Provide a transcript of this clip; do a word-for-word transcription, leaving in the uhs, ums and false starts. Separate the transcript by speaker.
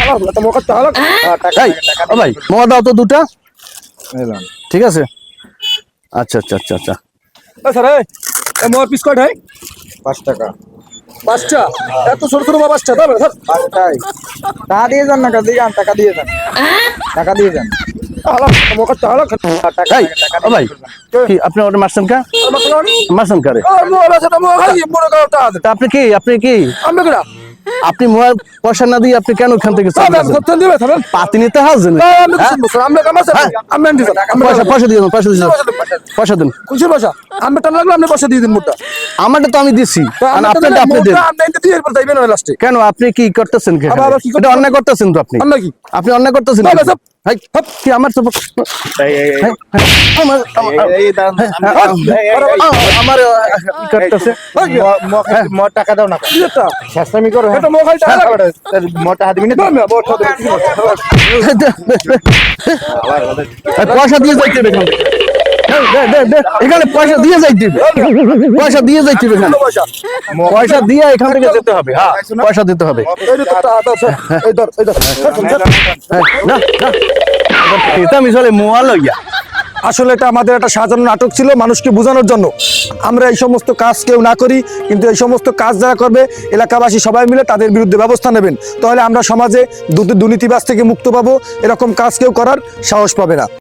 Speaker 1: ভাই মোয়া দাও তো দুটা। ঠিক আছে, আচ্ছা আচ্ছা আচ্ছা আচ্ছা।
Speaker 2: মোয়ার পিস কয়টাই?
Speaker 3: পাঁচ টাকা।
Speaker 2: পাঁচটা? এত ছোট ছোট মা পাঁচটা?
Speaker 3: পাঁচটাই। টাকা দিয়ে যান না, টাকা দিয়ে যান, টাকা দিয়ে যান, টাকা দিয়ে যান।
Speaker 1: এই ও ভাই, কি আপনি ওটা মারছেন কা? মারছেন কারে? তা আপনি কি আপনি কি আপনি মোয়া পয়সা না দিয়ে আপনি কেন ওখান থেকে পাতি নিতে হাজেন? পয়সা পয়সা দিয়ে দেন, পয়সা দিয়ে দেন, পয়সা দেন।
Speaker 2: খুশির পয়সা আমি টান লাগলো, আপনি পয়সা দিয়ে দিন মোটা।
Speaker 1: আমারটা তো আমি দিছি, আপনারটা আপনি দেন। কেন আপনি কি করতেছেন? এটা অন্যায় করতেছেন তো আপনি।
Speaker 2: অন্যায় কি?
Speaker 1: আপনি অন্যায় করতেছেন। ভাই কি আমার তো আমার আমার করতেছে।
Speaker 3: টাকা দাও না, শেষামি করো। টাকা দিবি না,
Speaker 1: পয়সা দিয়ে যাইতে হবে এখানে, পয়সা দিয়ে যাইতে হবে, পয়সা দিয়ে যাইতে হবে এখানে, পয়সা দিয়ে এখান থেকে যেতে হবে। হ্যাঁ পয়সা দিতে হবে। না না এটা আমি চলে মোয়া লইয়া।
Speaker 2: আসলে এটা আমাদের একটা সাজানো নাটক ছিল মানুষকে বোঝানোর জন্য। আমরা এই সমস্ত কাজ কেউ না করি, কিন্তু এই সমস্ত কাজ যারা করবে এলাকাবাসী সবাই মিলে তাদের বিরুদ্ধে ব্যবস্থা নেবেন। তাহলে আমরা সমাজে দুর্নীতিবাজ থেকে মুক্ত পাবো, এরকম কাজ কেউ করার সাহস পাবে না।